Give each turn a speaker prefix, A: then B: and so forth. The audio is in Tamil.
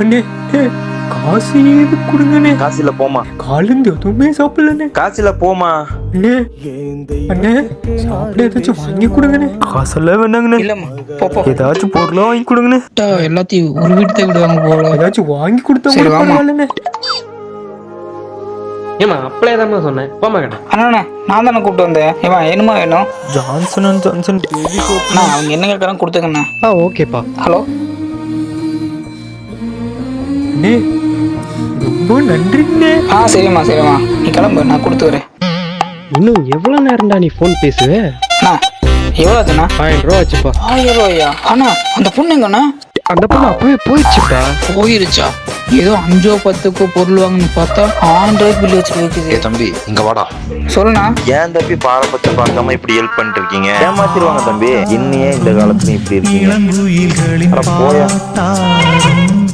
A: அண்ணே காசு ஏது கொடுங்கண்ணே.
B: காசில போமா.
A: காலேந்து எதுவுமே சாப்பிடலண்ணே.
B: காசில போமா.
A: அண்ணே அண்ணே சாப்பிட ஏதாச்சும் வாங்கி கொடுங்கண்ணே. காசெல்லாம் வேணாங்கண்ணே.
C: இல்லம்மா போ.
A: ஏதாச்சும் பொருளா வாங்கி கொடுங்கண்ணே.
C: எல்லாத்தையும் ஒரு வீட்டு விடுவாங்க போல.
A: ஏதாச்சும் வாங்கி கொடுத்தா
C: சரி,
A: கூட
C: வாம்மா.
A: பரவாயில்லண்ணே.
D: ஏமா அப்பளே தான் சொன்னேன். போமா கடை.
C: அண்ணா நான் தானே கூப்பிட்டு வந்தேன். ஏமா என்னமா வேணும்?
A: Johnson and Johnson baby soap.
C: அண்ணா அவங்க என்ன கேட்கறாங்க கொடுத்துங்கண்ணா.
D: ஓகேப்பா.
C: ஹலோ
A: அண்ணே ரொம்ப நன்றிண்ணே.
C: சரிம்மா நீ கிளம்பு, நான் கொடுத்து வரேன்.
D: இன்னும் எவ்வளவு நேரம்டா நீ போன் பேசுவே?
C: அண்ணா எவ்வளோ ஆச்சுண்ணா?
D: 1000 ரூபா ஆச்சுப்பா.
C: 1000 ரூபாயா? அண்ணா அந்த பொண்ணு எங்கண்ணா?
D: அந்த பொண்ணு அப்பவே போயிடுச்சுப்பா.
C: போயிருச்சா? ஏதோ 5 10 பொருள் வாங்கன்னு பார்த்தா 1000 ரூபாய்க்கு பில்லு வச்சு வைக்குது.
B: தம்பி இங்க வாடா.
C: சொல்லுண்ணா.
B: ஏன் தம்பி பாரபட்சம் பார்க்காம இப்படி ஹெல்ப் பண்ணிட்டு இருக்கீங்க? ஏமாத்திடுவாங்க தம்பி. இன்னையே இந்த காலத்துல இப்படி இருக்கீங்க. போயா.